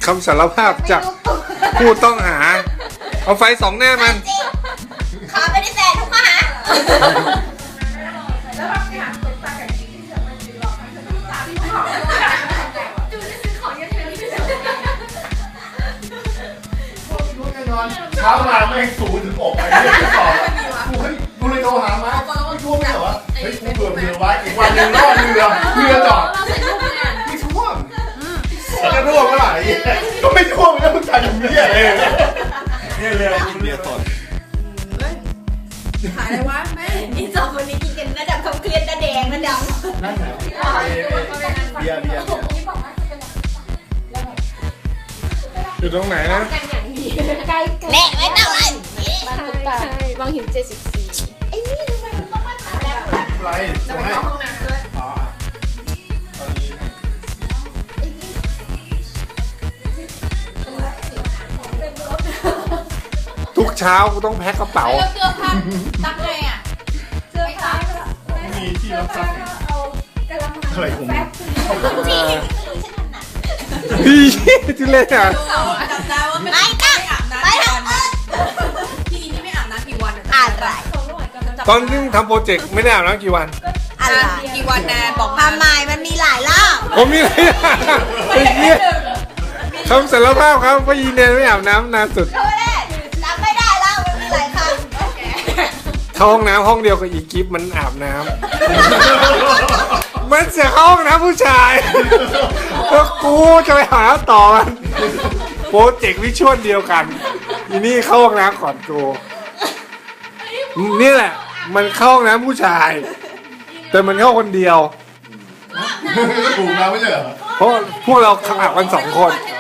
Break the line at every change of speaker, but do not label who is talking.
คำสารภาพจากผู้ต้องหา เอาไฟส่องหน้ามัน
ขอไม่ได้แฟนทุกข้อหา
แล้วเราไปหาคนตากับกิ๊กที่จะมายืนรอกันจะตาที่หอมจูจะซื้อของยังไงนี่ไม่ใช่
รู้แน่นอนเช้ามาไม่สูงถึงอกไปเรื่องต่อกูเลยโทรหามาไม่ท่วมไม่เหรอเฮ้ยกูเบื่อเรือไว้อีกวันหนึ่งรอดเรือจอดไม่ท่วมจะท่วมเมื่อไหร่ก็ไม่ท่วมแล้วมึงถ่ายอย่างนี้เลยเนี่ยเรือเรือสด
ขายอะไรวะแม่
นี่สองคนนี้กินกันระดับความเครียดระแดงระดับ
นั่นแหละเบียร์
อยู่ตรงไหนนะ
ใกล้แหละไม่ต้องเลย
ใช่บางหิน74
ไอ้นี่ทำไมมันต้องมาถามแล้ว
ไร
จะไปเข้าห้องน้ำด้วย
ทุกเช้ากูต้องแพ็คกระเป๋า
เสื้อผ้าตักไงอ่ะเสื้อผ้า
มีที่รับซักอะไรผม
ที่ไม่รู้ฉันถนัด
พี่ที่เล่นอ่ะ
จับได้ว่าไม่
ไม่ตั้ง
อาบน้ำ
ไม่
กี่
ต้อ
วั
ง
นพี่นี่ไม่อาบน้ำกี่วัน
อะไร
ตอนที่ทำโปรเจกต์ไม่ได้อาบน้ำกี่วัน
อะไร
กี่วันแนนบอก
ทำไมมันมีหลายรอบ
ผมมีอะไรไอ้เหี้ยคำสารภาพครับว่ายีเนนไม่อาบน้ำนานสุด
โทษแน่จำไม่ได้แล้วมันมีหลายครั้ง
เข้าห้องน้ำห้องเดียวกับอีกิฟมันอาบน้ำมันจะเข้าห้องน้ำผู้ชายแล้วกูจะไปหาต่อมันโปรเจกต์วิชวลเดียวกันอีนี่เข้าห้องน้ำก่อนกูนี่แหละ มันเข้าห้องน้ำผู้ชาย แต่มันเข้าคนเดียว
ถูกแล้วไม่ใช่เหรอ
เพราะพวกเราอาบกัน2 คน
ให้